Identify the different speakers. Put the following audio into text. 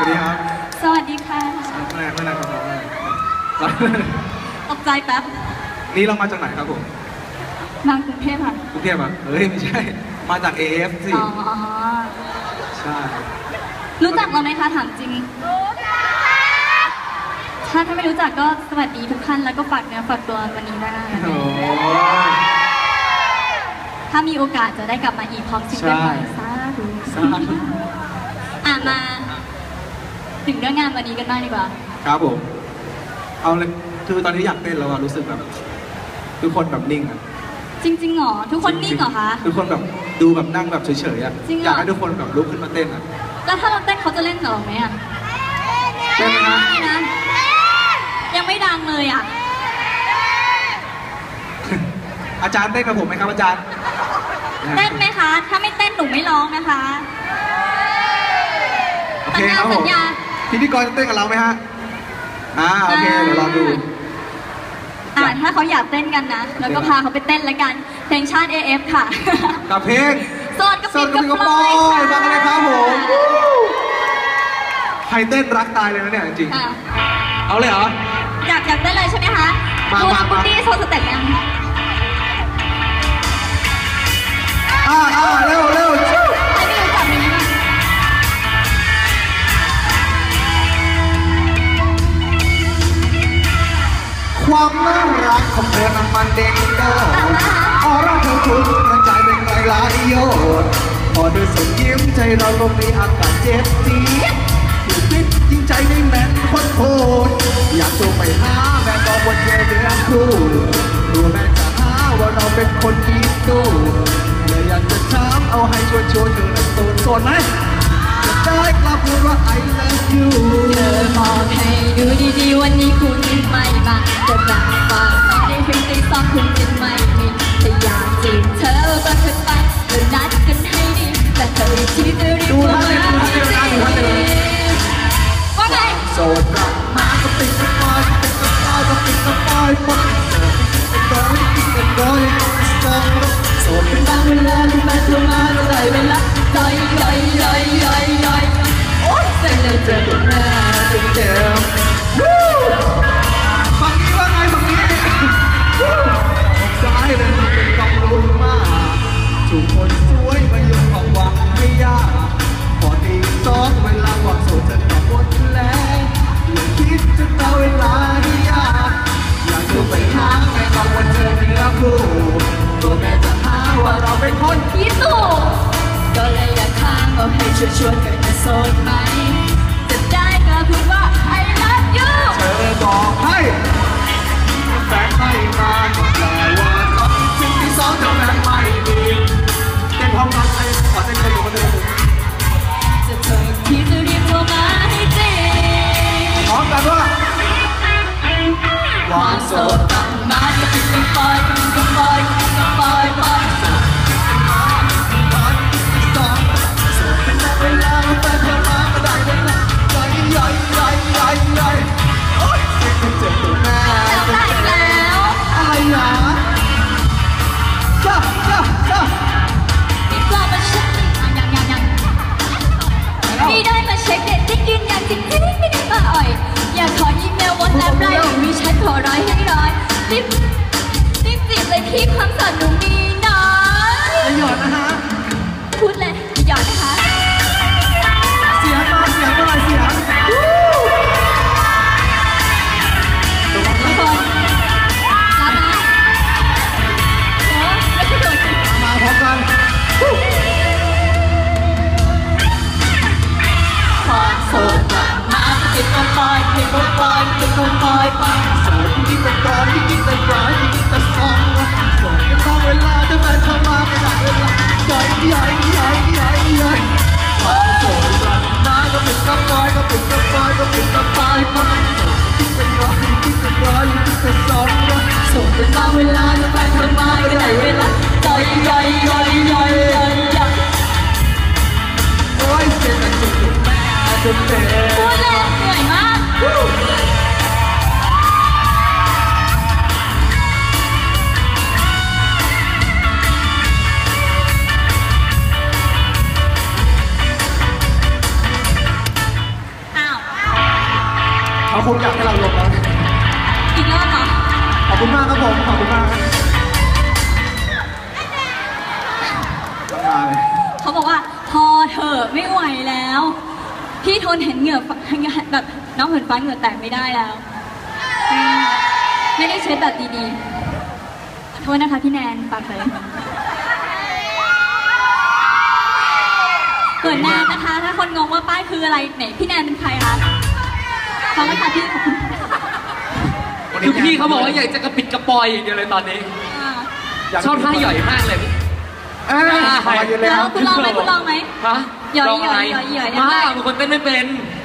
Speaker 1: วัสดีครับ
Speaker 2: สวัสดีค่ะ
Speaker 1: ไม่นานครับน้อง
Speaker 2: ตกใจแป๊บ
Speaker 1: นี่เรามาจากไหนครับผม
Speaker 2: มากรุงเทพค่ะ
Speaker 1: กรุงเทพอ่ะเฮ้ยไม่ใช่มาจาก AF สิ
Speaker 2: อ๋อ
Speaker 1: ใช่
Speaker 2: รู้จักเราไหมคะถามจริงถ้าไม่รู้จักก็สวัสดีทุกท่านแล้วก็ฝากเนื้อฝากตัววันนี้ได้ถ้ามีโอกาสจะได้กลับมาอีกพร้อมซิงเกิลใหม่สาธุมาถึงเรื่องงานวันนี้กันบ้างดีกว่า
Speaker 1: ครับผมเอาเลยคือตอนนี้อยากเต้นแล้วรู้สึกแบบทุกคนแบบนิ่งอ่ะ
Speaker 2: จริงๆหรอทุกคนนิ่งเหรอคะ
Speaker 1: ทุกคนแบบดูแบบนั่งแบบเฉยๆอ่ะอยากให้ทุกคนแบบลุกขึ้นมาเต้นอ่ะ
Speaker 2: แล้วถ้าเราเต้นเขาจะเล่นกับเราไหมอ่ะ
Speaker 1: เต้น
Speaker 2: นะยังไม่ดังเลยอ่ะ
Speaker 1: อาจารย์เต้นกับผมไหมครับอาจารย์
Speaker 2: เต้นไหมคะถ้าไม่เต้นหนูไม่ร้องนะคะ
Speaker 1: โอเคครับผมพิธีกรจะเต้นกับเราไหมฮะโอเคเดี๋ยวรอดู
Speaker 2: ถ้าเขาอยากเต้นกันนะแล้วก็พาเขาไปเต้นแล้วกันเพลงชาติ AF ค่ะ
Speaker 1: กับเพลง
Speaker 2: โสดกับปิดกระโปรง
Speaker 1: ฟังกันเลยครับผมใครเต้นรักตายเลยนะเนี่ยจริงเอาเลยเหรอ
Speaker 2: อยากเต้นเลยใช่ไหมคะดูทางคุณดี้โชว์สเต็ปยัง
Speaker 1: เร็วใครไม่รู้จัก
Speaker 2: เพลงนี้บ้าง
Speaker 1: ความน่ารักของเธอนั้นมันเด้งโดดออร่าเธอคุณกระจายเป็นไงหลายโยนพอเธอส่งยิ้มใจเราก็มีอากาศเจ็บจี๊ดอยู่ติดยิ่งใจไม่แน่นคนโคตรอยากโทรไปหาแม่ก็วนเวียนเรื่องคู่ดูแม่จะหาว่าเราเป็นคนคิดดูเลยอยากจะถามเอาให้ช่วยเธอนั้นโสดไหมจะได้กลับพูดว่า I love you
Speaker 2: เธอบอกให้ดูดีๆวันนี้คุณไม่มาจะดังฟังตอนนี้ถึงตีสองคุณจะไม่มีถ้าอยากจีบเธอก็เธอไปเรานัดกันให้ดีแต่เธอที่จะรีบมาว่าไง
Speaker 1: โสดกลับมาก็ปิดกระปอยก็ปิดกระปอยโสดเป็นร้อย
Speaker 2: โสดเป็นบางเวลาที่มาเธอมาจะได้เวลาย่อยโอ๊ยเสร็จแล้วเจอตัวแม่
Speaker 1: เจ็บฝั่งนี้ว่าไงฝั่งนี้ซ้ายเลยมันเป็นกองลุ้นมากทุกคนสวยมาอยู่ความหวังไม่ยากพอตีสองเวลาหวังโสดจะกลับหมดแล้วอย่าคิดจะต่อเวลาที่ยากอยากจะไปหาแม่ก็วันเธอเนื้อคู่ตัวแม่จะหาว่าเราเป็นคน
Speaker 2: ที่สู้ก็เลยอยากถามว่าให้ช่วยกันจะโสดไหมจะได้ก็พูดว่า I love you
Speaker 1: เธอบอกให้แฟนไม่มาแต่ว่าเขาสิ่งที่สองจะแฟนไม่ดีเต้นพร้อมกันเลยขอเต้นกันอยู่กันเลย
Speaker 2: จะเธอที่จะเรียกว่ามาให้จริง
Speaker 1: พร้อมกันว่า
Speaker 2: ความโสดต้องมาจะเป็นกระปอย
Speaker 1: เวลาเราไปเที่ยวมาก็ได้เวลาย่อยโอ๊ยเจ็บตัวแม่
Speaker 2: ได้แล้ว
Speaker 1: อะไรหรอจ้า
Speaker 2: นี่ก็มาเช็คยังนี่ได้มาเช็คเด็ดที่กินอย่างจริงไม่ได้มาอ่อยอยากขออีเมลวันแอปไลน์มีฉันขอร้อยให้ร้อยรีบจีบเลยพี่ความสอนหนูมีน้อย
Speaker 1: อย่าหยอดนะฮะ
Speaker 2: พูดเลยหยอดนะคะ
Speaker 1: เสียงเสียงทุกคน
Speaker 2: รับนะไม่ใช่โดด
Speaker 1: มาพร้อมกัน
Speaker 2: ความโสดมาติดกระปอยโสดที่กระปอย
Speaker 1: ที่กินแต่ร้อยที่กินแต่ซองโสดกันตอนเวลาจะมาเข้ามาไม่ได้เวลาย่อยความโสดมาก็ปิดกระปอยที่เป็นร้อยที่แต่ซอง
Speaker 2: โสดกันตอนเวลาจะมาเข้ามาไม่ได้เวลาย่อย
Speaker 1: โอ้ยเจ็บแต่จุดแม่จนเจ็บ
Speaker 2: พูดเลยเหนื่อยมาก
Speaker 1: คงอยากให้เราลงแล้ว
Speaker 2: อีกรอบเหรอ
Speaker 1: ขอบคุณมากครับผมขอบคุณมากครับมาเลย
Speaker 2: เขาบอกว่าพอเถอะไม่ไหวแล้ว พี่ทนเห็นเหงื่อแบบน้องเหินฟ้าเหงื่อแตกไม่ได้แล้วไม่ได้เช็ดแบบดีๆขอโทษนะคะพี่แนนปากเลยเกิดแนนนะคะ ถ้าคนงงว่าป้ายคืออะไรไหนพี่แนนเป็นใครคะขอบคุณค่ะพี่ขอบคุณ
Speaker 3: คือพี่เขาบอกว่าอยากจะกระปิดกระปอยอย่างเดียวเลยตอนนี้ ชอบท่าหย่อยมากเลย
Speaker 1: ขอยืนเลย
Speaker 2: แล้
Speaker 1: คว รับ
Speaker 2: คุณลองไหมคุณลองไหม
Speaker 3: ฮะ
Speaker 2: หย่อย
Speaker 3: ลงอะไร
Speaker 2: หย่อยหย่อย
Speaker 3: มาบางคนเต้นไม่เป็น